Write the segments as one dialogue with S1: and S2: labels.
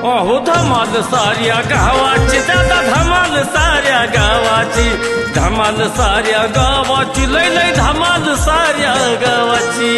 S1: अहो धमाल साऱ्या गावाची दादा धमाल साऱ्या गावाची धमाल साऱ्या गावाची लय लय धमाल साऱ्या गावाची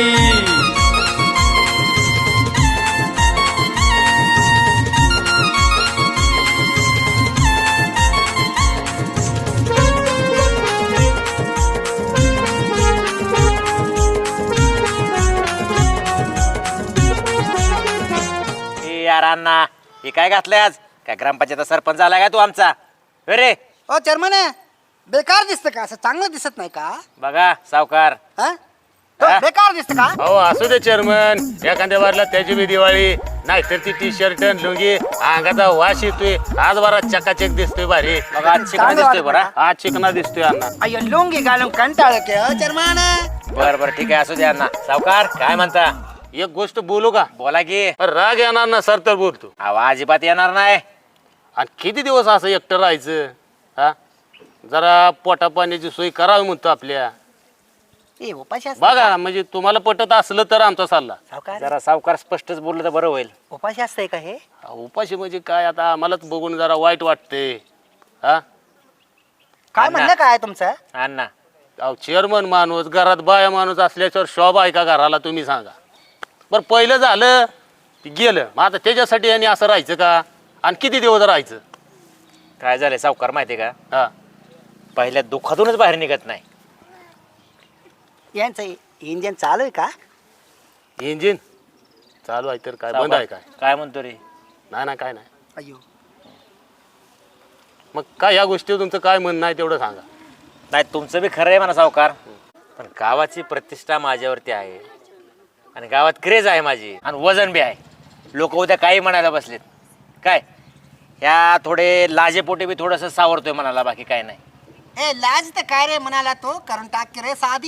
S2: यार अण्णा हे काय घातलंय आज काय ग्रामपंचायत सरपंच आला काय तू आमचा अरे
S3: ओ चेअरमन बेकार दिसतं का असं चांगलं दिसत नाही का
S2: बघा सावकार
S3: हा? तो
S2: हा?
S3: बेकार दिसतं का
S4: अहो असू दे चेअरमन एखाद्या बारला त्याची बी दिवाळी नाहीतर ती टी शर्ट लुंगी अंगाचा वास येतोय आज बरा चकाचक दिसतोय भारी
S2: बघा आज चिकन
S3: चांगलं
S2: दिसतोय
S3: वाटतं
S2: बरा
S4: आज चिकना दिसतोय अण्णा
S3: अय्यो लुंगी घालून कंटाळ के चेअरमन
S2: बर बर ठीक आहे असू दे अण्णा सावकार काय म्हणता
S4: एक गोष्ट बोलू का
S2: बोला की
S4: राग येणार ना सर तर बोलतो
S2: आवाज अजिबात येणार नाही
S4: आणि किती दिवस असं एकटं राहायचं हा जरा पोटा पाण्याची सोय करावी म्हणतो आपल्या
S3: ए उपाशी असते
S4: बघा म्हणजे तुम्हाला पटत असलं तर आमचा सल्ला
S3: सावकार
S2: जरा सावकार स्पष्टच बोललं तर बरं होईल
S3: उपाशी असतंय का हे
S4: उपाशी म्हणजे काय आता आम्हालाच बघून जरा वाईट वाटते हा
S3: काय
S2: अण्णा.
S3: म्हणणं काय तुमचं
S2: अण्णा
S4: अहो चेअरमन माणूस घरात बाया माणूस असल्याच्यावर शोभा आहे का घराला तुम्ही सांगा बरं पहिलं झालं ते गेलं मग आता त्याच्यासाठी यांनी असं राहायचं का आणि किती दिवस राहायचं
S2: काय झालंय सावकार माहितीये का
S4: हा
S2: पहिल्या दुःखातूनच बाहेर निघत नाही
S3: यांचं इंजिन चालू आहे का
S4: इंजिन चालू आहे तर काय बंद
S2: सावकार,
S4: आहे काय
S2: काय म्हणतो रे
S4: नाही ना काय नाही
S3: अय्यो
S4: मग काय या गोष्टीवर तुमचं काय म्हणणं आहे तेवढं सांगा
S2: नाही तुमचं बी खरं आहे म्हणा सावकार पण गावाची प्रतिष्ठा माझ्यावरती आहे आणि गावात क्रेज आहे माझी आणि वजन बी आहे लोक उद्या काही म्हणायला बसलेत काय ह्या थोडे लाजेपोटे बी थोडंसं सावरतोय म्हणाला बाकी काय नाही
S3: ए लाज तर काय रे म्हणाला तो करून टाक की रे साधी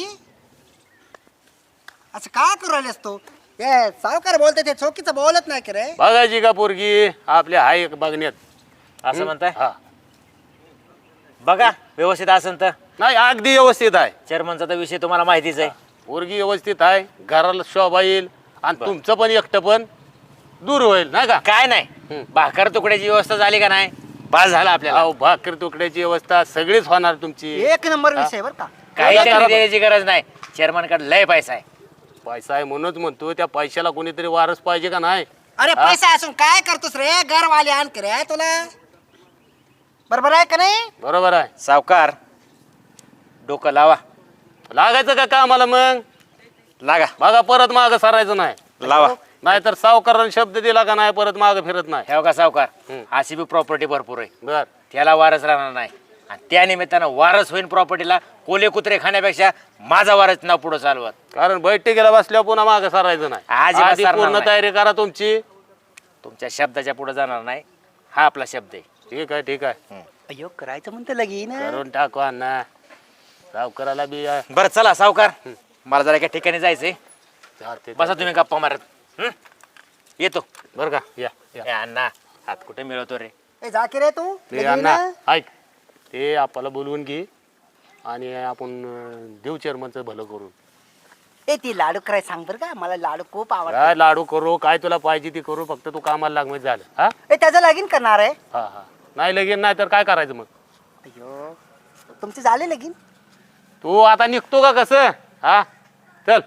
S3: असं का करू राहिलेस तू ए सावकार बोलते ते चौकीचं बोलत नाही की रे
S4: बघायची का पोरगी आपल्या हाय बघण्यात
S2: असं म्हणताय
S4: हा
S2: बघा व्यवस्थित असेल तर
S4: नाही अगदी व्यवस्थित आहे
S2: चेअरमनचा तर विषय तुम्हाला माहितीच आहे
S4: पोरगी व्यवस्थित आहे घराला शोभा येईल आणि तुमचं पण एकटं पण दूर होईल नाही का
S2: काय नाही भाकर तुकड्याची व्यवस्था झाली का नाही बास झाला आपल्याला
S4: अहो भाकर तुकड्याची व्यवस्था सगळीच होणार तुमची
S3: एक नंबर विषय बरं का
S2: काही
S4: करा
S2: त्यांनी द्यायची गरज नाही चेअरमनकडे लय पैसा आहे
S4: पैसा आहे म्हणूनच म्हणतो त्या पैशाला कोणीतरी वारस पाहिजे का नाही
S3: अरे पैसा असून काय करतोस रे घरवाले आण की रे तुला बरोबर आहे का नाही
S4: बरोबर आहे
S2: सावकार डोकं लावा
S4: लागायचं का कामाला मग
S2: लागा
S4: बघा परत माग सरायचं नाही
S2: लावा
S4: नाहीतर सावकाराने शब्द दिला का नाही परत माग फिरत नाही
S2: हे का सावकार
S4: हम्म.
S2: अशी बी प्रॉपर्टी भरपूर आहे
S4: बर
S2: त्याला वारस राहणार नाही आणि त्या निमित्तानं वारस होईन प्रॉपर्टीला कोले कुत्रे खाण्यापेक्षा माझा वारस नाव पुढे चालवत
S4: कारण बैठकीला बसल्यावर पुन्हा माग सरायचं नाही
S2: अजिबात
S4: आधी
S2: सरणार
S4: पूर्ण
S2: नाही.
S4: तयारी करा तुमची
S2: तुमच्या शब्दाच्या पुढे जाणार नाही हा आपला शब्द आहे
S4: ठीक आहे ठीक आहे
S3: अयो करायचं म्हणतं लगीन
S4: करून टाकू अण्णा सावकाराला बी
S2: बरं चला सावकार मला जरा एका ठिकाणी जायचंय
S4: चालते
S2: बसा तुम्ही गप्पा मारत येतो
S4: बरं का या
S2: ए, अण्णा हात कुठे मिळवतो रे
S3: ए जा की रे तू
S4: ते
S3: लगीन?
S4: अण्णा ऐक ते आपल्याला बोलवून घे आणि आपण देऊ चेअरमनचं भलं करून
S3: ए ती लाडू कराय सांग बरं का मला लाडू खूप आवडतात
S4: काय लाडू करू काय तुला पाहिजे ती करू फक्त तू कामाला लाग म्हणजे झालं हा
S3: ए त्याचं लगीन करणार आहे
S4: हा हा नाही लगीन नाही तर काय करायचं मग
S3: अयो तुमचे झाले लगीन
S4: तू आता निघतो का कसं हा चल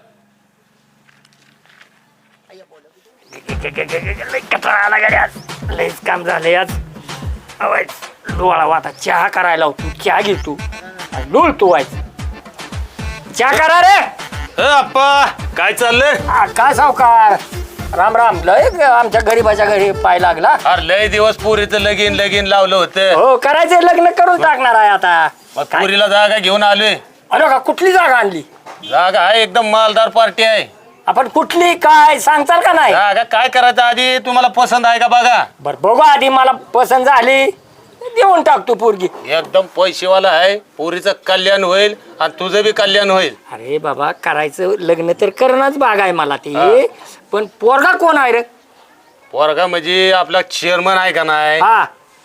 S5: लयच काम झालंय आज अवाय डोळा वाटा चहा करायला तू चहा घे तू डोळ तू व्हायचं चहा करा रे
S4: अप्पा काय चाललंय
S5: काय सावकार राम राम लय आमच्या गरीबाच्या घरी पाय लागला
S4: अरे लय दिवस पुरीचं लगीन लगीन लावलं होतं
S5: हो करायचं लग्न करून टाकणार आहे आता
S4: मग पुरीला जागा घेऊन आलोय
S5: अरे का कुठली जागा आणली
S4: जागा आहे एकदम मालदार पार्टी आहे
S5: आपण कुठली काय सांगताल का नाही
S4: जागा काय करायचं आधी तुम्हाला पसंत आहे का बघा
S5: बर बघू आधी मला पसंत झाली देऊन टाकतो पोरगी
S4: एकदम पैसेवाला आहे पोरीचं कल्याण होईल आणि तुझं बी कल्याण होईल
S5: अरे बाबा करायचं लग्न तर करणंच भाग आहे मला
S4: हा.
S5: ते पण पोरगा कोण आहे रे
S4: पोरगा म्हणजे आपला चेअरमन आहे का नाही
S5: हा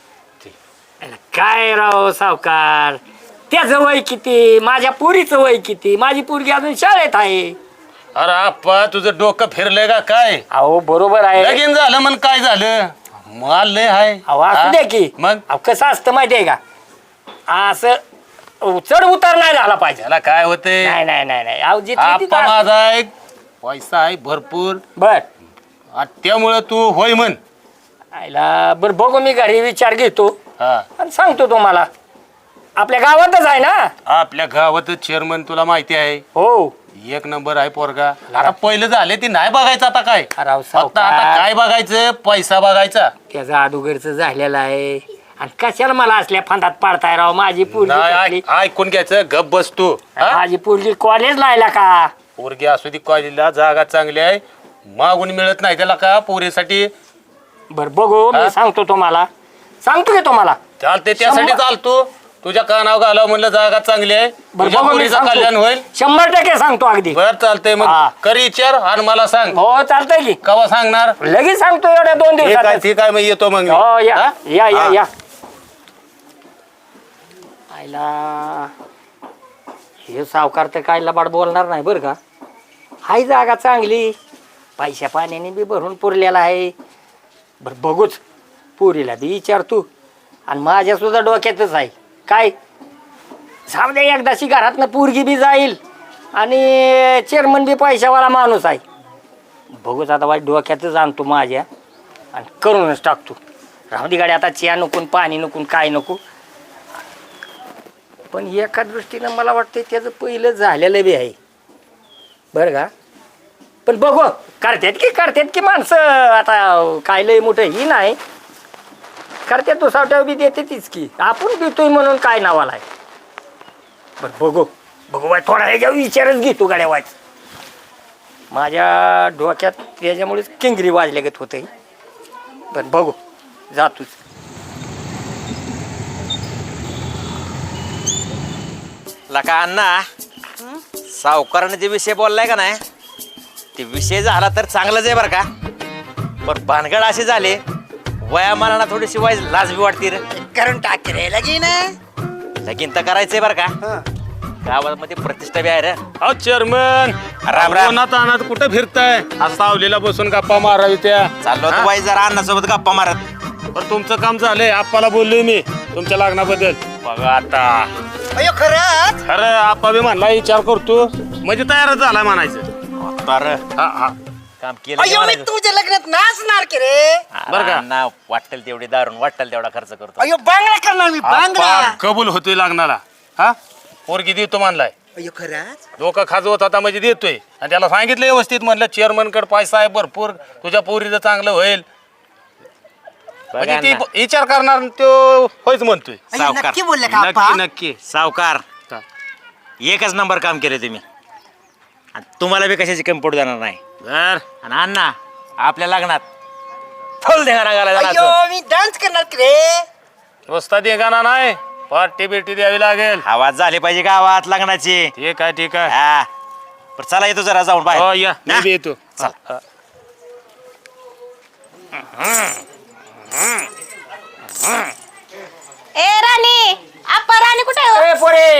S5: काय राव सावकार त्याचं वय किती माझ्या पुरीचं वय किती माझी पोरगी अजून शाळेत आहे
S4: अरे आप्पा तुझं डोकं फिरलंय का काय
S5: अहो बरोबर आहे
S4: लगीन झालं म्हण काय झालं माल लय आहे
S5: अहो असू
S4: हा?
S5: द्या की
S4: मग
S5: अहो, कसं असतं माहितीये का असं चढ उतार नाही झाला पाहिजे
S4: त्याला काय होते
S5: नाही नाही नाही नाही अहो जिथली
S4: आप्पा
S5: तिथं असतं.
S4: माझा एक पैसा आहे भरपूर
S5: बर
S4: आणि त्यामुळं तू होय म्हण
S5: आईला बरं बघू मी घरी विचार घेतो
S4: हा
S5: आणि सांगतो तुम्हाला आपल्या गावातच आहे ना
S4: आपल्या गावातच चेअरमन तुला माहिती आहे
S5: हो
S4: एक नंबर आहे पोरगा आता पहिलं झाले ती नाही बघायचं आता काय
S5: अरे अहो,
S4: फक्त आता
S5: सावकार.
S4: काय बघायचं पैसा बघायचा
S5: त्याचा अडुगरच झालेला आहे आणि कशाला मला असल्या फांदात पाडताय राव माझी पोरगी
S4: नाही
S5: कसली-
S4: ऐकून घ्यायचं गप बस तू हा?
S5: माझी पोरगी कॉलेज लायला का
S4: पोरगी असू दे कॉलेजला जागा चांगली आहे मागून मिळत नाही त्याला का पोरीसाठी
S5: बर बघू
S4: हा?
S5: मी सांगतो तुम्हाला सांगतो की तुम्हाला
S4: चालते त्यासाठी चालतो तुझ्या कानावर घालावं म्हणलं जागा चांगली आहे
S5: बरं
S4: तुझ्या
S5: बघू मी
S4: पोरीचं कल्याण
S5: सांगतो
S4: होईल
S5: 100% सांगतो अगदी
S4: बर चालतंय मग
S5: हा.
S4: कर विचार आणि मला सांग
S5: हो चालतंय की
S4: कवा सांगणार
S5: लगेच सांगतो एवढ्या 2
S4: ठीक आहे
S5: दिवसात
S4: ठीक आहे मग येतो मग मी.
S5: हो या
S4: हा?
S5: या या
S4: हा.
S5: या आईला हे सावकार तर काय लबाड बोलणार नाही बरं का हाय जागा चांगली पैशा पाण्याने बी भरून पुरलेला आहे बरं बघूच पुरीला बी विचार तू आणि माझ्या सुद्धा डोक्यातच आहे काय जाऊ दे एकदाशी घरातनं पोरगी बी जाईल आणि चेअरमन बी पैशावाला माणूस आहे बघूच आता वाईट डोक्यातच आणतो माझ्या आणि करूनच टाकतो राहू दे गाडी आता चिया नको पाणी नको काय नको पण एका दृष्टीनं मला वाटतं त्याचं पहिलं झालेलं बी आहे बरं का पण बघू करतात की माणसं आता काय लय मोठं ही नाही करतात तो सावट्या बी देते तीच की आपण देतोय म्हणून काय नावाला आहे बरं बघू बाय थोडा ह्याच्यावर विचारच घेतो गाड्या वाच माझ्या डोक्यात त्याच्यामुळेच किंगरी वाजल्यागत होते पण बघू जातोच
S2: लका अण्णा सावकाराने जे विषय बोललाय का नाही ते विषय झाला तर चांगलंच आहे बरं का पण भानगड असे झाले वयामानाला थोडीशी वाईज लाज बी वाटते रे
S3: करून टाक रे लगीन
S2: लगीन तर करायचंय बरं का गावामध्ये प्रतिष्ठा बी आहे रे
S4: अहो चेअरमन
S2: राम राम.
S4: उन्हात अनात कुठं फिरताय आज सावलीला बसून गप्पा मारावी त्या
S2: चाललो
S4: हा?
S2: होतो वाईज जरा अण्णासोबत गप्पा मारत
S4: पण तुमचं काम झालंय आप्पाला बोललोय मी तुमच्या लग्नाबद्दल बघा आता
S3: अयो खरंच
S4: खरं आप्पा बी म्हणला विचार करतो म्हणजे तयारच झाला म्हणायचं
S2: तर
S4: हा हा
S2: काम केलं की
S3: अयो मी
S2: म्हणायचं.
S3: तुझ्या लग्नात नाचणार की रे
S2: बरं का अण्णा वाटेल तेवढी दारून वाटेल तेवढा खर्च करतो
S3: अयो बांगडा करणार मी बांगडा
S4: आप्पा कबूल होतोय लग्नाला हा पोरगी देतो म्हणलाय
S3: अयो खरंच
S4: डोकं खाजवत होता म्हणजे देतोय आणि त्याला सांगितलं व्यवस्थित म्हणलं चेअरमन कडे पैसा आहे भरपूर तुझ्या पोरीचं चांगलं होईल
S2: बघा
S4: म्हणजे ती
S2: अण्णा,
S4: विचार करणार तो होयच म्हणतोय
S3: अयो,
S2: सावकार.
S3: नक्की बोलले का आप्पा?
S4: नक्की नक्की
S2: सावकार
S4: हा.
S2: एकच नंबर काम केले तुम्ही आणि तुम्हाला बी कशाची कमी पडू देणार नाही
S4: बर
S2: आणि अण्णा आपल्या लग्नात फुल देणार
S3: अयो मी डान्स करणार की रे
S4: वस्ता देगाना नाही पार्टी बिर्टी द्यावी लागेल
S2: आवाज झाली पाहिजे गावात लग्नाची
S4: ठीक आहे ठीक आहे
S2: हा बरं चला येतो जरा जाऊन
S4: हो
S2: बाहेर
S4: या मी
S2: हा?
S4: बी येतो
S2: चल.
S4: हा.
S6: ए राणी आप्पा राणी कुठे आहे हो?
S5: ए पोरे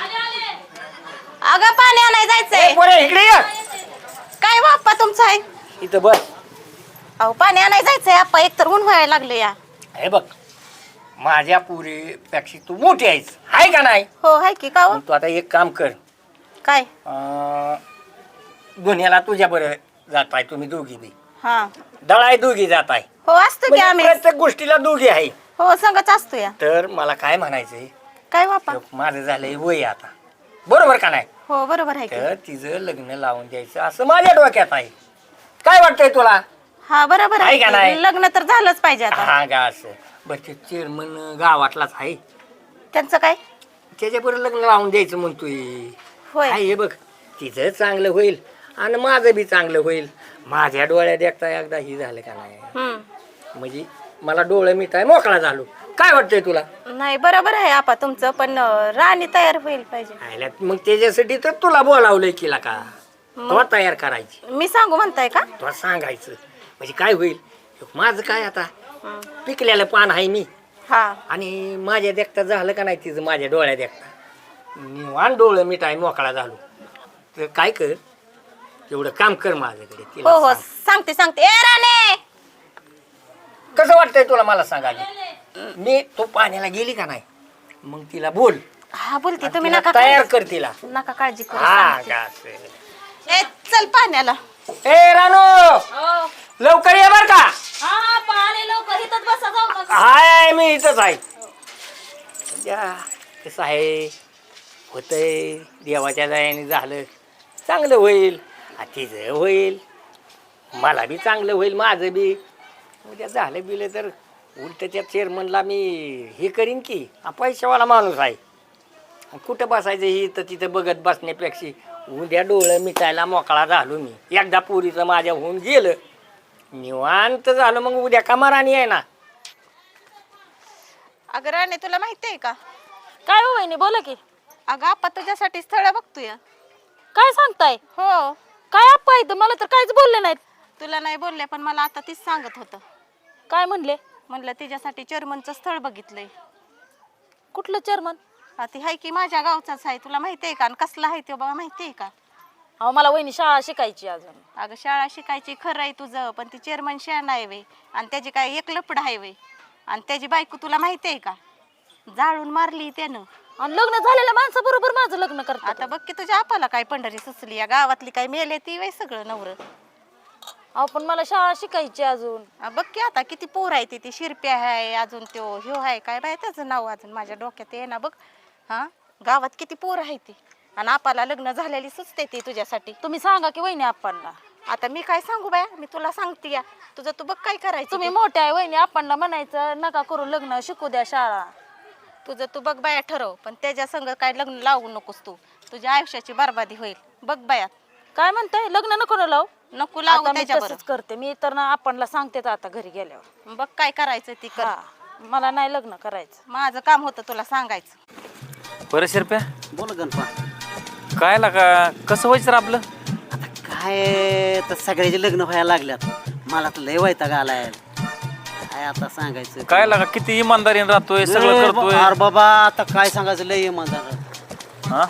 S6: अगं पाणी आणाय
S5: ए
S6: जायचंय
S5: पोरे इकडे ये
S6: काय हो आप्पा तुमचं आहे
S5: इथं बस
S6: अहो पाणी आणाय जायचंय आप्पा एकतर ऊन व्हायला लागलं या
S5: हे बघ माझ्या पुरीपेक्षा तू मोठी आहेस हाय का नाही
S6: हो हाय की का हो?
S5: मग तू आता एक काम कर
S6: काय
S5: दुनियाला तुझ्या बरं जात आहे तुम्ही दोघी बी
S6: हा
S5: दळाय दोघी जात आहे
S6: हो असतो की
S5: म्हणजे
S6: आम्ही
S5: प्रत्येक गोष्टीला दोघी आहे
S6: हो संगच असतो या
S5: तर मला काय म्हणायचंय
S6: काय बापा
S5: माझं झालंय वय आता बरोबर का नाही
S6: हो बरोबर आहे की
S5: तर तिचं लग्न लावून द्यायचं असं माझ्या डोक्यात आहे काय वाटतंय तुला
S6: हा बरोबर
S5: आहे का
S6: आहे
S5: नाही?
S6: की. लग्न तर झालंच पाहिजे आता
S5: हा का असं बरं ते चेअरमन गावातलाच आहे
S6: त्यांचं काय
S5: त्याच्याबरोबर लग्न लावून द्यायचं म्हणतोय
S6: होय
S5: काय हे बघ तिचं चांगलं होईल आणि माझं बी चांगलं होईल माझ्या डोळ्यात एकटा एकदा ही झालं का नाही
S6: हम्म
S5: म्हणजे मला डोळं मिठाय मोकळा झालो काय वाटतंय तुला
S6: नाही बरोबर आहे आपा तुमचं पण राणी तयार होईल पाहिजे
S5: आयला मग त्याच्यासाठी तर तुला बोलावलंय केला का तो तयार करायची
S6: मी सांगू म्हणताय का
S5: तो सांगायचं म्हणजे काय होईल माझं काय आता पिकलेलं पान आहे मी
S6: हा
S5: आणि माझ्या देखता झालं का नाही तिचं माझ्या डोळ्यात देखता निवान डोळं मिठाय मोकळा झालो तर काय कर तेवढं काम कर माझ्याकडे तिला
S6: हो हो
S5: सांग.
S6: सांगते सांगते ए राणे
S5: कसं वाटतंय तुला मला सांगा आधी? मी तू पाण्याला गेली का नाही मग तिला बोल
S6: हा बोलते तुम्ही
S5: तिला
S6: नका
S5: तयार
S6: काळजी-
S5: कर तिला
S6: नका काळजी करू
S5: हा
S6: सांगते.
S5: का असेल.
S6: ए चल पाण्याला.
S5: ए रानू लवकर ये बर का. हाय मी इथंच आहे. या, कसं आहे होतंय देवाच्या दयाने झालं चांगलं होईल तिचं होईल मला बी चांगलं होईल माझं बी उद्या झालं बिलं तर उलट त्या चेअरमनला मी हे करीन की हा पैशावाला माणूस आहे कुठं बसायचं ही तर तिथं बघत बसण्यापेक्षा उद्या डोळं मिटायला मोकळा झालो मी एकदा पुरीचं माझ्या होऊन गेलं निवांत झालं मग उद्या कमाराणी आहे ना.
S6: अगं राणे तुला माहिती आहे का
S7: काय हो वहिनी बोला की.
S6: अगं आपा तुझ्यासाठी स्थळ बघतोय.
S7: काय सांगताय?
S6: हो
S7: काय अप्पा इथं मला तर काहीच बोलले नाहीत.
S6: तुला नाही बोलले पण मला आता तीच सांगत होतं.
S7: काय म्हणले?
S6: म्हणलं तिच्यासाठी चेअरमनचं स्थळ बघितलंय.
S7: कुठलं चेअरमन?
S6: ती हाय की माझ्या गावचाच आहे. तुला माहिती आहे का आणि कसला आहे तो बाबा माहिती आहे का?
S7: अहो मला वहिनी शाळा शिकायची अजून.
S6: अगं शाळा शिकायची खरं आहे तुझं पण ती चेअरमन शाळा आहे वे आणि त्याची काय एक लपड आहे वे आणि त्याची बायको तुला माहिती आहे का जाळून मारली त्यानं.
S7: आणि लग्न झालेल्या माणसाबरोबर माझं लग्न करतात.
S6: आता बघ की तुझ्या आपाला काय पंढरी सुचली या गावातली काय मेले ती वय सगळं नवर.
S7: अहो पण मला शाळा शिकायची अजून.
S6: बघ की आता किती पोर आहे ती शिरप्या आहे अजून त्यो ह्यो आहे काय बाय त्याचं नाव अजून माझ्या डोक्यात ये ना बघ. हा गावात किती पोर आहे ती आणि आपाला लग्न झालेली सुचते ती तुझ्यासाठी.
S7: तुम्ही सांगा की वहिनी आप्पांना.
S6: आता मी काय सांगू बाया मी तुला सांगते या तुझं तू बघ काय करायचं.
S7: तुम्ही मोठे आहे वहिनी आप्पांना म्हणायचं नका करू लग्न शिकू द्या शाळा.
S6: तुझं तू बघ बाया ठरव पण त्याच्या संग काय लग्न लावू नकोस तू तुझ्या आयुष्याची बरबादी होईल. बघ बाया
S7: काय म्हणताय लग्न नको ना लावू?
S6: नको लावू
S7: आता मी
S6: त्याच्याबरोबर.
S7: तसंच करते मी तर ना आप्पांना सांगते आता घरी गेल्यावर.
S6: बघ काय करायचं ती कर.
S7: हा मला नाही लग्न करायचं.
S6: माझं काम होतं तुला सांगायचं.
S1: बरं शिरप्या
S8: बोल गणपा.
S1: काय लागा कसं व्हायचं रे आपलं?
S8: आता काय तर सगळ्याचे लग्न व्हायला लागल्यात मला तर लय वैताग आलाय काय आता सांगायचं.
S1: काय लागा किती इमानदारीने राहतोय सगळं करतोय.
S8: अरे बाबा आता काय सांगायचं लय इमानदार.
S1: हा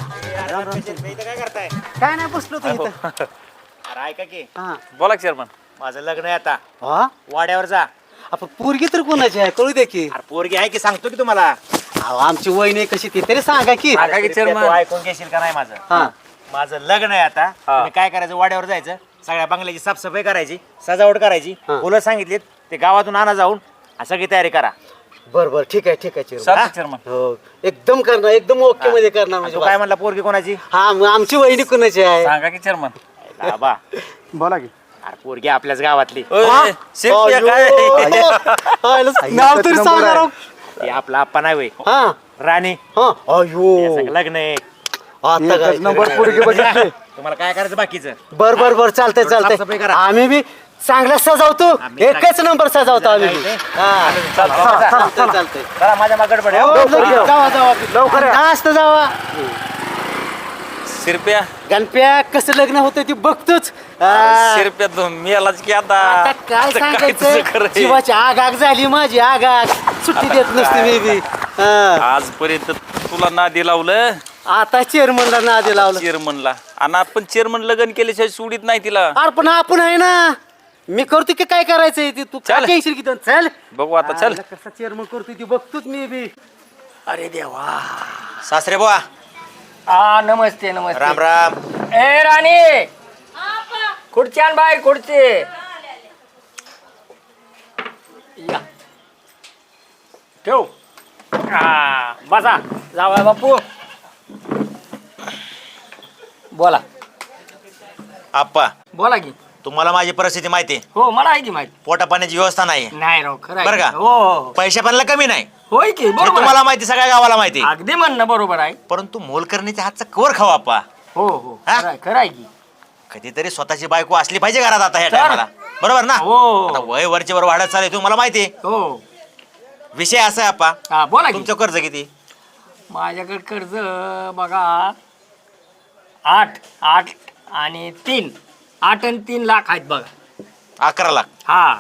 S8: काय नाही बसलो तू इथं.
S2: अरे ऐका की
S8: हा
S1: बोला चेअरमन.
S2: माझं लग्न आहे आता
S8: हा
S2: वाड्यावर जा.
S8: आपण पोरगी तर कोणाची आहे कळू दे की.
S2: अरे पोरगी आहे की सांगतो की तुम्हाला.
S8: अहो, आमची वहिनी कशी ती तरी सांगा की.
S1: सांगा की
S2: तू
S1: चेअरमन.
S2: ऐकून घेशील का नाही माझं.
S8: हा
S2: माझं लग्न आहे आता तुम्ही काय करायचं वाड्यावर जायचं सगळ्या बंगल्याची साफसफाई करायची सजावट करायची
S8: हा.
S2: फुलं सांगितलीत ते गावातून आणा जाऊन आणि सगळी तयारी करा.
S8: बर बर ठीक आहे चेअरमन.
S1: चालतं चेअरमन.
S8: हो एकदम करणार एकदम ओके मध्ये करणार म्हणजे
S2: तू काय म्हणला पोरगी कोणाची.
S8: हा मग आमची वहिनी कोणाची आहे.
S1: सांगा की चेअरमन.
S2: बाबा
S8: बोला की.
S2: अरे पोरगी आपल्याच गावातली.
S1: ओय, शिरप्या काय
S8: नाव तरी सांगा राव.
S2: ती आपला आप्पा नाही होय
S8: हा
S2: राणी.
S8: हा अयो
S2: याचं लग्न आहे.
S8: आता काय नंबर पोरगी बघितली.
S2: तुम्हाला काय करायचं बाकीचं.
S8: बर बर बर चालतंय
S2: साफसफाई
S8: चालतंय
S2: करा.
S8: आम्ही बी चांगला सजावतो
S2: आम्ही
S8: एकच नंबर सजावतो आम्ही बी. हा चालतंय चालतंय
S2: चला माझ्या मागड पड.
S8: हो, जावा जावा लवकर जास्त जावा.
S1: शिरप्या
S8: गणप्या कसं लग्न होतं ते बघतोच. हा.
S1: शिरप्या तू मेलाच की
S8: आता
S1: आता
S8: काय
S1: तुझं
S8: सांगायचं
S1: खरं आहे.
S8: जीवाची आग आग झाली माझी आग आग सुट्टी देत नसते मी बी. हा.
S1: आजपर्यंत तुला नादी लावलं
S8: आता चेअरमनला नादी लावलं.
S1: चेअरमनला आणि आपण चेअरमन लग्न केल्याशिवाय सोडित नाही तिला.
S8: अरे पण आपण आहे ना मी करतो की काय करायचंय ते तू
S1: चल.
S8: काय टेन्शन किती चल
S1: बघू आता चल.
S8: कसा चेअरमन करतोय ती बघतोच मी बी.
S5: अरे देवा.
S2: सासरे बुवा
S5: हा नमस्ते नमस्ते.
S2: राम राम.
S5: ए राणी खुर्ची आण बाहेर खुर्ची. या ठेव. हा बसा जावा बापू. बोला
S2: आप्पा
S5: बोला की.
S2: तुम्हाला माझी परिस्थिती माहिती आहे.
S5: हो मला आहे की माहिती.
S2: पोटा पाण्याची व्यवस्था नाही
S5: नाही राव खरं आहे.
S2: बरं का?
S5: हो हो.
S2: पैशा पाण्याला कमी नाही
S5: होय की
S2: हे
S5: बरोबर आहे.
S2: तुम्हाला माहिती सगळ्या गावाला माहिती.
S5: अगदी म्हणणं बरोबर आहे.
S2: परंतु मोलकरणीच्या हातचा कवर खाऊ आप्पा.
S5: हो हो
S2: हा?
S5: खरं आहे की.
S2: कधीतरी स्वतःची बायको असली पाहिजे घरात आता ह्या
S5: तर.
S2: टायमाला. बरोबर ना.
S5: हो.
S2: आता वय वरचे वर वाढत चालेल तुम्हाला माहिती आहे.
S5: हो
S2: विषय असा आहे आप्पा
S5: हा बोला की.
S2: तुमचं कर्ज किती.
S5: माझ्याकडे कर्ज बघा 8 आणि 3 8 आणि 3 लाख आहेत बघा.
S2: 11 लाख.
S5: हा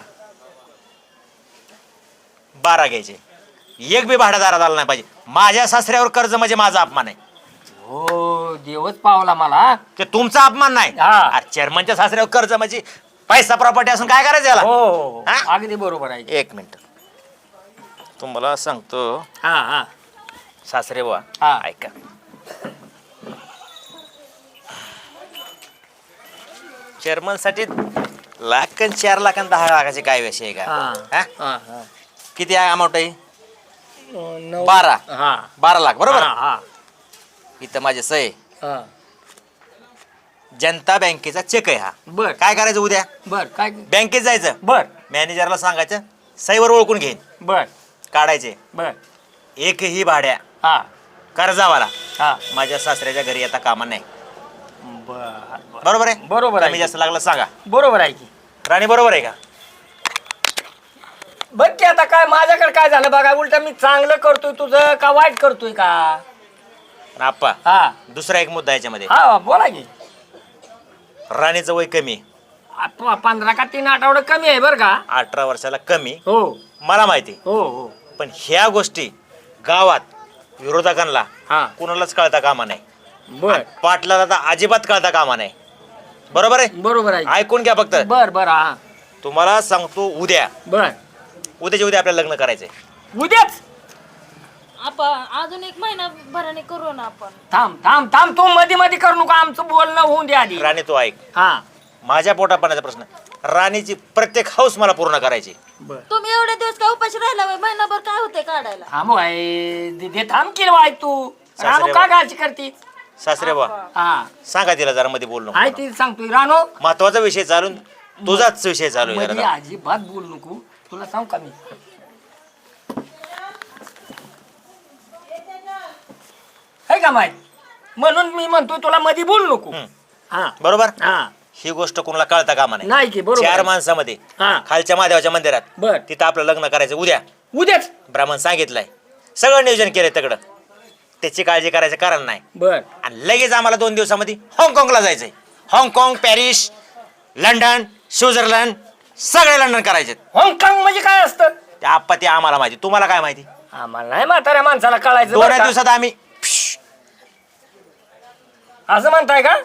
S2: 12 घ्यायचे. एक बी भाडादारात आला नाही पाहिजे. माझ्या सासऱ्यावर कर्ज म्हणजे माझा अपमान आहे.
S5: हो देवच पावला मला.
S2: ते तुमचा अपमान नाही.
S5: हा.
S2: चेअरमनच्या सासऱ्यावर कर्ज म्हणजे पैसा प्रॉपर्टी असून काय करायचं याला?
S5: हो हो
S2: हा?
S5: अगदी बरोबर आहे.
S2: एक मिनिट तुम्हाला सांगतो
S5: हा हा
S2: सासरे बुवा
S5: हा.
S2: ऐका. चेअरमन साठी लाख 4 लाख आणि 10 लाखाचे काय विषय आहे का?
S5: हा.
S2: हा?
S5: हा हा
S2: किती अमाऊंट आहे?
S5: 9
S2: 12
S5: हा
S2: 12 लाख बरोबर.
S5: हा हा
S2: इथं माझे सही
S5: हा
S2: जनता बँकेचा चेक आहे हा.
S5: बर
S2: काय करायचं उद्या?
S5: बर काय
S2: बँकेत जायचं,
S5: बर
S2: मॅनेजरला सांगायचं सहीवर ओळखून घेईन,
S5: बर
S2: काढायचे.
S5: बर
S2: एकही भाड्या
S5: हा
S2: कर्जावाला
S5: हा
S2: माझ्या सासऱ्याच्या घरी आता कामा नाही.
S5: बर
S2: बरोबर आहे?
S5: बरोबर आहे.
S2: कमी जास्त लागलं सांगा.
S5: बरोबर आहे की.
S2: राणी बरोबर आहे का?
S5: बघ की आता काय माझ्याकडे काय झालं बघा, उलट मी चांगलं करतोय तुझं का वाईट करतोय का?
S2: आणि आप्पा
S5: हा
S2: दुसरा एक मुद्दा याच्यामध्ये,
S5: हा बोला की.
S2: राणीचं वय कमी,
S5: 15 का 3 आठवडे कमी आहे बरं का.
S2: 18 वर्षाला कमी,
S5: हो
S2: मला माहिती.
S5: हो हो
S2: पण ह्या गोष्टी गावात विरोधकांना
S5: हा
S2: कुणालाच कळता कामा नाही.
S5: बर
S2: पाटलाला तर अजिबात कळता कामा नाही. बरोबर आहे?
S5: बरोबर आहे.
S2: ऐकून घ्या फक्त.
S5: बर बर हा
S2: तुम्हाला सांगतो उद्या
S5: बर
S2: उद्याच्या उद्या आपल्याला लग्न करायचंय.
S5: उद्याच.
S7: आपण अजून 1 महिनाभराने करू ना आपण.
S5: थांब थांब थांब तू मध्ये मध्ये करू नका, आमचं बोलणं होऊन द्या आधी.
S2: राणी तू ऐक,
S5: हा
S2: माझ्या पोटात पाण्याचा प्रश्न, राणीची प्रत्येक हौस मला पूर्ण करायची.
S5: बर
S7: तुम्ही एवढे दिवस काय उपाशी राहिला होय? महिनाभर काय होते काढायला?
S5: थांब आहे दे थांब की वाय तू
S2: सासरे
S5: रानू का काळजी करते.
S2: सासरे बा
S5: हा
S2: सांगा तिला जरा मध्ये बोलू
S5: आहे
S2: नको.
S5: ती सांगतोय रानू
S2: महत्वाचा विषय चालून तुझाच विषय चालू आहे
S5: मध्ये
S2: जरा.
S5: अजिबात बोल नको, तुला सांग का मी. है का माहित, म्हणून मी म्हणतोय तुला मध्ये बोल नको. हा
S2: बरोबर.
S5: हा
S2: ही गोष्ट कोणाला कळता कामा नाही.
S5: नाही की बरोबर
S2: 4
S5: आहे.
S2: माणसामध्ये
S5: हा
S2: खालच्या महादेवाच्या मंदिरात
S5: बर
S2: तिथं आपलं लग्न करायचं उद्या.
S5: उद्याच.
S2: ब्राह्मण सांगितलंय, सगळं नियोजन केलंय तगडं. त्याची काळजी करायचं कारण नाही.
S5: बर
S2: आणि लगेच आम्हाला 2 दिवसामध्ये हाँगकाँगला जायचंय. हाँगकाँग, पॅरिस, लंडन, स्वित्झर्लंड सगळे लंडन करायचे.
S5: हाँगकाँग म्हणजे काय असतं?
S2: ते आप्पा ते आम्हाला माहिती, तुम्हाला काय माहिती?
S5: आम्हाला नाही म्हाताऱ्या माणसाला कळायचं
S2: 2
S5: बरं का?
S2: दिवसात आम्ही
S5: असं म्हणताय का?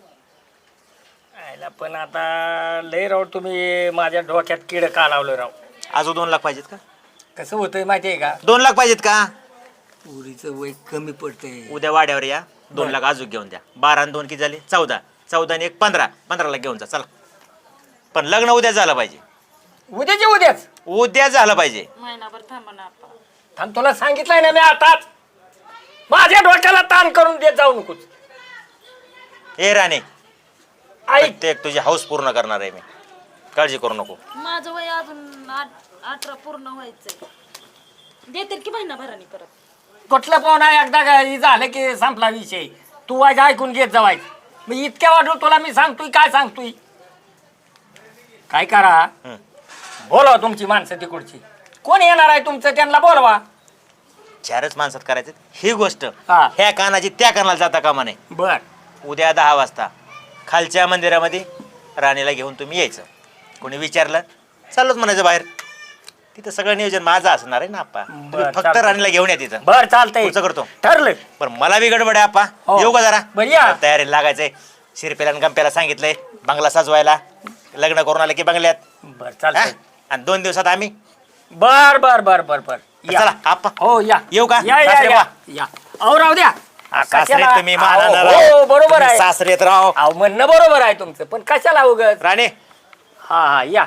S5: आयला पण आता लय राव तुम्ही माझ्या डोक्यात किड का लावलं राव.
S2: अजून 2 लाख पाहिजेत का?
S5: कसं होतंय माहितीये का,
S2: 2 लाख पाहिजेत का?
S5: पुरीचं वय कमी पडतंय.
S2: उद्या वाड्यावर या, 2 लाख अजून घेऊन द्या. 12 आणि 2 किती झाले? 14. 14 आणि 1 15. 15 लाख घेऊन जा चला. पण लग्न उद्या झालं पाहिजे.
S5: उद्याचे उद्याच.
S2: उद्या झालं पाहिजे.
S7: महिनाभर थांबा ना आपण.
S5: थांब तुला सांगितलंय ना मी आताच, माझ्या डोक्याला ताण करून देत जाऊ नकोस.
S2: ए राणे,
S5: ऐक
S2: प्रत्येक तुझी हौस पूर्ण करणार आहे मी, काळजी करू नको.
S7: माझं वय अजून 18 पूर्ण व्हायचंय. देतील की महिनाभराने परत.
S5: कुठलं पाहुणा एकदा काही झालं की संपला विषय. तू वाज ऐकून घेत जावायच. मी इतक्या वाटलं तुला मी सांगतोय काय सांगतोय. काय करा, बोलवा तुमची माणसं तिकडची. कोण येणार आहे तुमचं त्यांना बोलवा.
S2: 4च माणसात करायचं ही गोष्ट.
S5: हा.
S2: ह्या कानाची त्या कानाला जाता कामा नाही.
S5: बर
S2: उद्या 10 वाजता खालच्या मंदिरामध्ये राणीला घेऊन तुम्ही यायचं. कोणी विचारलं चाललोच म्हणायचं बाहेर. तिथं सगळं नियोजन माझं असणार आहे ना आप्पा. तुम्ही फक्त
S5: चालतंय.
S2: राणीला घेऊन या तिथं.
S5: बर चालतंय,
S2: पुढचं करतो.
S5: ठरलं.
S2: पण मला बी गडबड आहे आप्पा.
S5: हो.
S2: येऊ का जरा?
S5: बरं या.
S2: तयारी लागायचंय. शिरपेला आणि गंप्याला सांगितलंय बंगला सजवायला. लग्न करून आलं की बंगल्यात.
S5: बर
S2: हा?
S5: चालतंय.
S2: आणि 2 दिवसात आम्ही.
S5: बर बर बर बर बर या.
S2: चला आप्पा.
S5: हो या.
S2: येऊ का?
S5: या या
S2: सासरे
S5: या,
S2: बा.
S5: या. अहो राहू द्या.
S2: सासरे
S5: कशाला?
S2: तुम्ही
S5: अहो,
S2: महाराणा
S5: हो
S2: राव.
S5: बरोबर
S2: तुम्ही
S5: आहे.
S2: सासरेत राव.
S5: अहो म्हणणं बरोबर आहे तुमचं, पण कशाला उगत.
S2: राणे
S5: हा हा या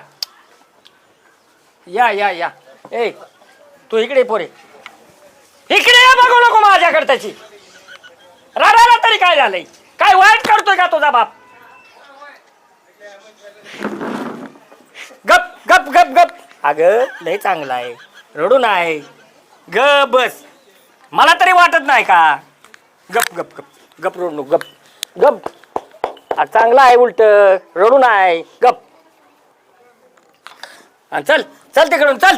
S5: या या या. ए तू इकडे ये पोरे, इकडे ये. बघू नको माझ्याकडे त्याची. राडा तरी काय झालंय? काय वाईट करतोय का तुझा बाप? गप गप गप गप. अगं लय चांगला आहे, रडू नाही. गप बस. मला तरी वाटत नाही का? गप गप गप गप रडू नको. गप गप. चांगला आहे, उलट रडू नाही. गप. चल चल तिकडून चल.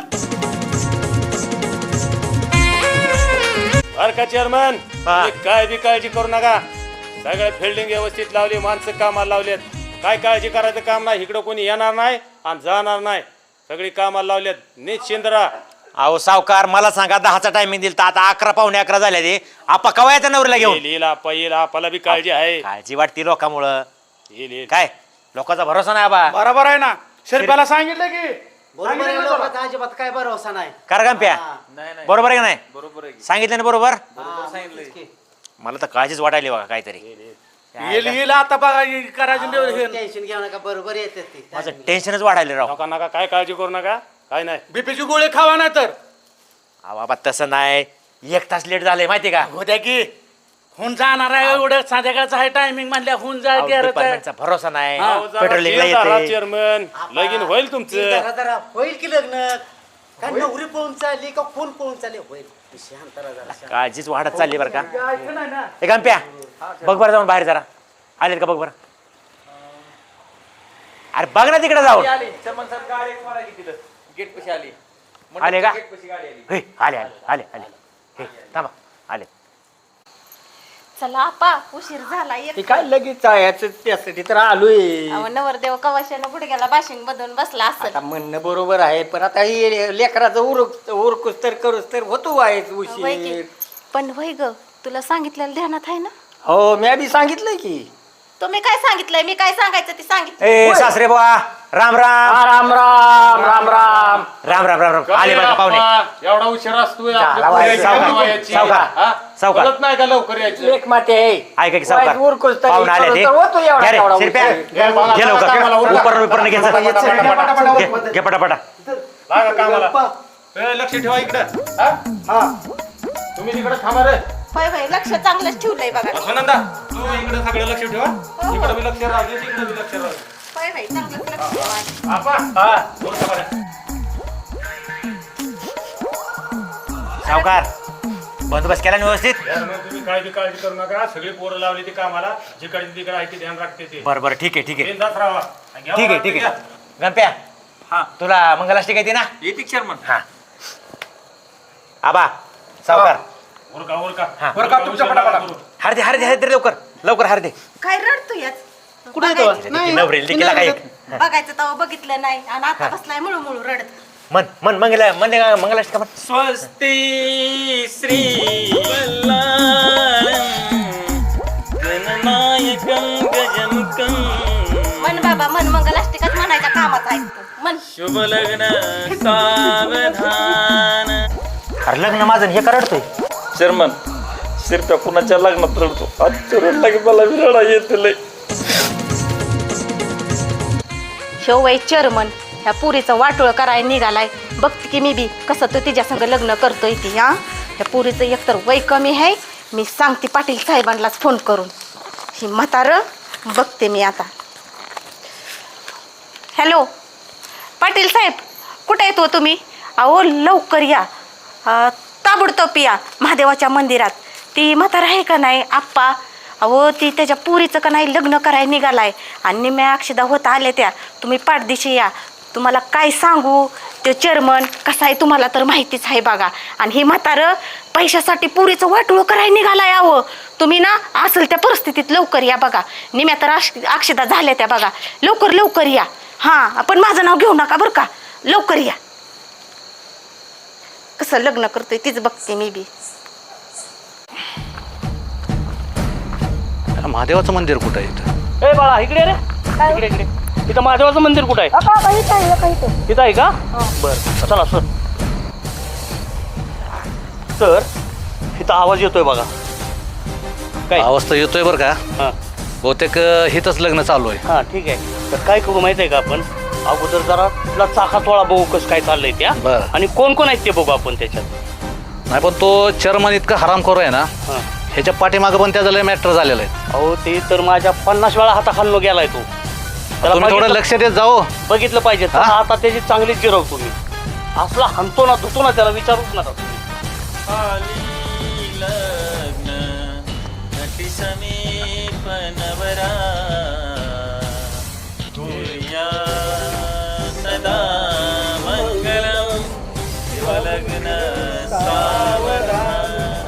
S4: बर का चेअरमन, काय बी काळजी करू नका. सगळं फिल्डिंग व्यवस्थित लावली, माणसं कामाला लावलेत. काय काळजी करायचं काम नाही. इकडं कोणी येणार नाही आणि जाणार नाही. सगळी कामाला लावलेत. निश्चिंत राहा.
S2: अहो सावकार, मला सांगा 10चा टायमिंग दिल तर आता 11 पावणे 11 झाले ते. आपा कवा येतं नवरीला घेऊन?
S4: येईल आपा, येईल. आपाला बी काळजी आहे.
S2: काळजी वाटती लोकांमुळं.
S4: येईल येईल.
S2: काय लोकांचा भरोसा नाही आबा.
S9: बरोबर आहे ना शिरप्याला सांगितलं की
S8: बरोबर आहे, लोकांचा अजिबात काय भरोसा नाही.
S2: कारगांप्या बरोबर आहे का नाही?
S4: बरोबर आहे
S2: सांगितलं ना बरोबर.
S8: सांगितलं की.
S2: मला तर काळजीच वाटायली बघा काहीतरी.
S9: येईल आता बघा करायचं
S8: टेन्शन घेऊ नका, बरोबर येते ती.
S2: माझं टेन्शनच वाढायला राव.
S4: नका नका काय काळजी करू नका काय नाही.
S9: बीपीची गोळी खावा नाही तर
S2: अहो बाबा तसं नाही. 1 तास लेट झालंय माहिती का?
S9: होत्या की होऊन जाणार आहे एवढं संध्याकाळचं आहे टायमिंग म्हणल्या होऊन जा
S2: अहो, डिपार्टमेंटचा भरोसा नाही. पेट्रोलिंगला येते.
S4: चेअरमन लगीन होईल तुमचं.
S8: जरा जरा होईल की लग्न. काय नवरी पळून चालली का कोण पळून चालली होईल. शांत राहा जरा.
S2: काळजीच वाढत चालली बरं का. हे गंप्या बघ बरं जाऊन बाहेर जरा. आलेत का बघ बरं. अरे बघ ना तिकडे जाऊन. आले का? हे, आले आले आले आले. हे थांबा आले.
S6: चला आपा उशीर झाला
S5: ते काय लगेच याचं त्यासाठी तर आलोय.
S6: नवरदेव कवाशानं गुडघ्याला बाशिंग बदलून बसला
S5: आता
S6: असेल.
S5: म्हणणं बरोबर आहे पण आता हे लेकराचं उरकूस तर करूस तर होतो आहे
S6: होय की.
S5: उशीर.
S6: पण वय ग तुला सांगितलेलं ध्यानात आहे ना?
S5: हो मी आधी सांगितलंय की.
S6: तुम्ही काय सांगितलंय मी काय सांगायचं ते सांगितलं.
S2: ए सासरे बुवा राम राम
S5: राम राम राम राम.
S2: राम राम राम राम. आले बरं का पाहुणे.
S4: एवढा उशीर असतोय
S2: सावकार
S4: कळत नाही का लवकर यायचं.
S5: एक माते आहे.
S2: ऐका की सावकार
S5: उरकूस तर
S2: पाहुणे आले ते.
S5: तर होतो एवढा
S2: घ्या रे,
S5: तेवढा
S2: शिरप्या.
S5: उशीर.
S2: घे लवकर उपरण घ्यायचं. घे पटापटा.
S4: लागा कामाला. लक्ष ठेवा इकडं. तुम्ही तिकडे थांबा रे.
S6: होय होय लक्ष चांगलंच ठेवलंय बघा.
S4: सुनंदा तू इकडे सगळं लक्ष ठेवा. इकडे बी लक्ष राहू दे तिकडे बी लक्ष राहू दे.
S6: होय होय चांगलंच लक्ष ठेवा.
S4: आपा बोल का बरं.
S2: सावकार बंदोबस्त केला ना व्यवस्थित.
S4: चेअरमन, तुम्ही काळजी करू नका. सगळी पोरं लावली ती कामाला. जिकडे तिकडे आहे ते ध्यान राखते ते.
S2: बरं बरं ठीक आहे ठीक आहे
S4: बिनधास्त राहावा. घ्या
S2: ठीक आहे ठीक आहे. गंप्या तुला मंगलाष्टिक येते ना?
S9: येते चेअरमन.
S2: हा आबा सावकार
S4: उरका उरका
S2: हा.
S9: उरका तुमच्या पटापटा.
S2: हरदे हरदे हरदे लवकर लवकर हरदे.
S6: काय रडतो याच?
S8: कुठे आहे तो?
S2: नवरेल देखील काय
S6: बघायचं तेव्हा बघितलं नाही आणि आता बसलाय मुळू मुळू रडत.
S2: मन मन मंगला म्हणले का मंगलाष्टक का म्हण.
S1: स्वस्ति श्री गणनायकं गजमुखं
S6: मन बाबा मन मंगलाष्टिकाच म्हणायच्या कामात आहे तू. मन
S1: शुभ लग्न सावधान.
S2: अरे लग्न माझं हे करडतोय.
S1: शर्मन शिरप्या कुणाच्या लग्नात रडतो. आजच्या रडला की मला विरडा येते लय.
S6: ह्यो वय चेअरमन ह्या पुरीचं वाटोळ करायला निघालाय. बघते की मी बी कसं तो तिच्या संग लग्न करतोय ती. हा ह्या पुरीचं एकतर वय कमी आहे. मी सांगते पाटील साहेबांनाच फोन करून. ही म्हातारं बघते मी आता. हॅलो पाटील साहेब कुठे येतो तुम्ही? अहो लवकर या. ताबडतोब या महादेवाच्या मंदिरात. ती म्हातारा आहे का नाही आप्पा. अहो ती त्याच्या पुरीचं का नाही लग्न करायला निघालाय आणि निम्या अक्षदा होत आल्या त्या. तुम्ही पाठदिशी या. तुम्हाला काय सांगू ते चेअरमन कसा आहे तुम्हाला तर माहितीच आहे बघा. आणि ही म्हातारं पैशासाठी पुरीचं वाटोळं करायला निघालाय. अहो तुम्ही ना असेल त्या परिस्थितीत लवकर या बघा. निम्या तर अक्षदा झाल्या त्या बघा. लवकर लवकर या. हां पण माझं नाव घेऊ नका बरं का. लवकर या. कसं लग्न करतोय तीच बघते मी बी.
S10: महादेवाचं मंदिर कुठं आहे इथं?
S9: ए बाळा इकडे रे. इकडे इकडे. इथं महादेवाचं मंदिर कुठं आहे? इथं आहे का? बरं चला सर. तर इथं आवाज येतोय बघा. काय
S10: आवाज तर येतोय बरं का.
S9: हां
S10: बहुतेक हिथंच लग्न चालू आहे.
S9: हां ठीक आहे. तर काय करू माहिती आहे का आपण अगोदर जरा तुला चाकातोळा बघू कसं काय चाललंय त्या.
S10: बरं.
S9: आणि कोण कोण आहेत ते बघू आपण त्याच्यात.
S10: नाही पण तो चेअरमन इतका हरामखोर आहे ना.
S9: हां
S10: ह्याच्या पाठीमागं पण त्याचं लय मॅटर झालेलं आहे.
S9: अहो ते तर माझ्या 50 वेळा हाताखालून गेलाय तो.
S10: तुम्ही थोडं लक्ष देत जाऊ.
S9: बघितलं पाहिजे.
S10: हा?
S9: आता त्याची चांगलीच जिरवतो मी. असला हंतो ना धुतो ना त्याला विचारूच नका तुम्ही.
S1: आली लग्न नटी समीप नवरा तुर्या सदा मंगलम शिवलग्न सावधान.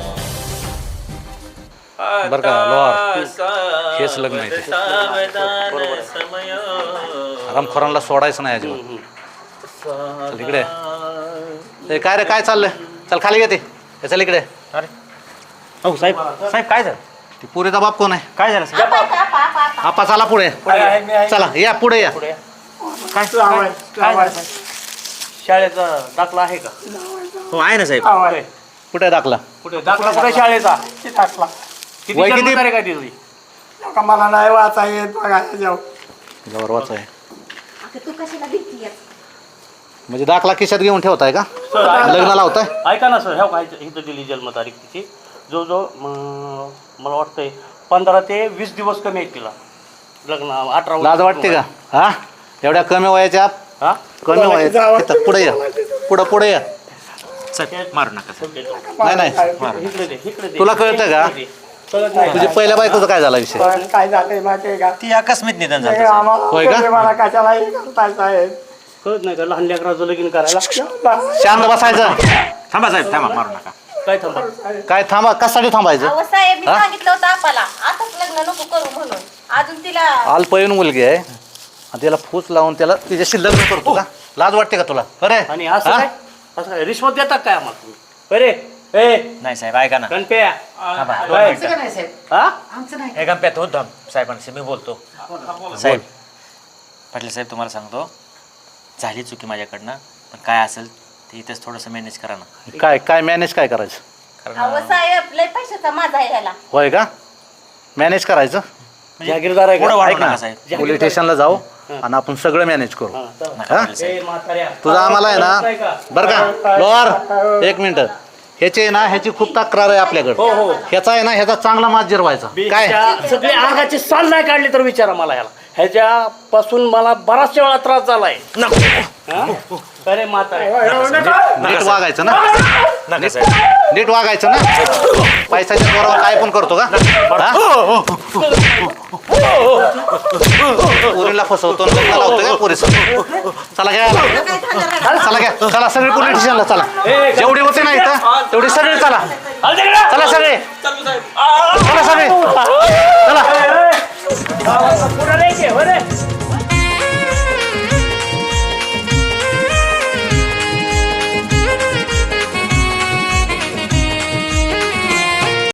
S10: बरं का, लोहार? हेच लग्न आहे ते.
S1: सावधान समयो
S10: हरामखोरांना सोडायचं नाही अजिबात. चल इकडे. ए, काय रे काय चाललंय? चल खाली घेते. चल इकडे.
S2: अरे हो साहेब साहेब काय झालं?
S10: ती पुरीचा बाप कोण आहे?
S2: काय झालं साहेब?
S10: आपा चला पुढे चला या पुढे या
S9: शाळेचा दाखला आहे का?
S2: हो आहे ना साहेब.
S10: कुठे दाखला
S9: कुठे दाखला कुठे शाळेचा? किती
S10: वय किती?
S9: जन्मतारीख आहे तिथली?
S3: मला नाही वाचा येत बघा
S10: जवळ वाच आहे
S6: तू कशाला भीती
S10: म्हणजे दाखला खिशात घेऊन ठेवताय का?
S9: सर
S10: लग्न लावताय?
S9: ऐका ना सर, ह्या काय इथं दिली जन्मतारीख तिची जो मला वाटतंय 15 ते 20 दिवस कमी आहेत तिला लग्न. 18
S10: लाज वाटते का? हा एवढ्या कमी वयाच्या
S9: हा
S10: कमी वयाच्या इथं पुढे या पुढे या
S2: साहेब मारू नका साहेब.
S10: नाही नाही
S9: इकडे दे, इकडे दे.
S10: तुला कळतं का?
S9: कळत नाही.
S10: तुझ्या पहिल्या बायकोचा काय झाला विषय?
S3: काय झालंय माहितीये का
S2: ती आकस्मिक निधन झालं साहेब.
S10: होय का?
S3: मला कशालाही करताय साहेब
S9: कळत नाही का लहान लेकराचं लगीन करायला?
S10: शांत बसायचं.
S2: थांबा साहेब थांबा मारू नका.
S9: काय थांबा?
S10: काय थांबा कशासाठी थांबायचं?
S6: अहो साहेब मी
S10: हा?
S6: सांगितलं होतं आपाला आताच लग्न नको करू म्हणून. अजून तिला
S10: अल्पवयीन मुलगी आहे आणि त्याला फूस लावून त्याला तिच्याशी लग्न करतो का? लाज वाटते का तुला? अरे
S9: आणि असं काय असं काय रिश्वत देतात काय आम्हाला तुम्ही? बरे ए
S2: नाही साहेब ऐका ना.
S9: गणप्या
S2: थांबा, दोन
S9: काय?
S2: मिनिटं.
S9: हा?
S2: हे गणप्यात होत साहेबांशी मी बोलतो. साहेब पाटील साहेब तुम्हाला सांगतो झाली चुकी माझ्याकडनं, पण काय असेल ते इथेच थोडंसं मॅनेज करा ना.
S10: काय मॅनेज काय करायचं?
S6: अहो
S2: कारण
S6: साहेब लय पैशाचा माझा आहे ह्याला.
S10: होय का? मॅनेज करायचं.
S9: जागीरदार आहे
S2: पुढं
S9: का?
S2: वाढू
S10: ऐक ना,
S2: नका साहेब.
S10: पोलीस स्टेशनला जाऊ आणि आपण सगळं मॅनेज करू.
S9: हा, चला.
S2: नका पाटील
S9: ए,
S2: साहेब.
S9: म्हाताऱ्या.
S10: तुझं आम्हाला आहे ना बरं का लोअर एक मिनिट ह्याची आहे ना ह्याची खूप तक्रार आहे आपल्याकडे.
S9: हो.
S10: ह्याचा आहे ना ह्याचा चांगला मात जिरवायचा. काय
S9: बीजच्या सगळे आगाची साल नाही काढली तर विचारा मला ह्याला. ह्याच्यापासून मला बराचशा वेळा त्रास झालाय. हा? अरे म्हाताऱ्या.
S10: नीट वागायचं ना?
S2: नका साहेब.
S10: नीट वागायचं ना? पैशाच्या जोरावर काय पण करतो का? हा? पोरीला फसवतो आणि लग्न लावतो का पोरीस? चला घ्या चला घ्या चला सगळे पोलीस स्टेशनला चला. जेवढी होते ना इथं तेवढी सगळे चला. चला सगळे चला सगळे चला.
S9: पुढे रे,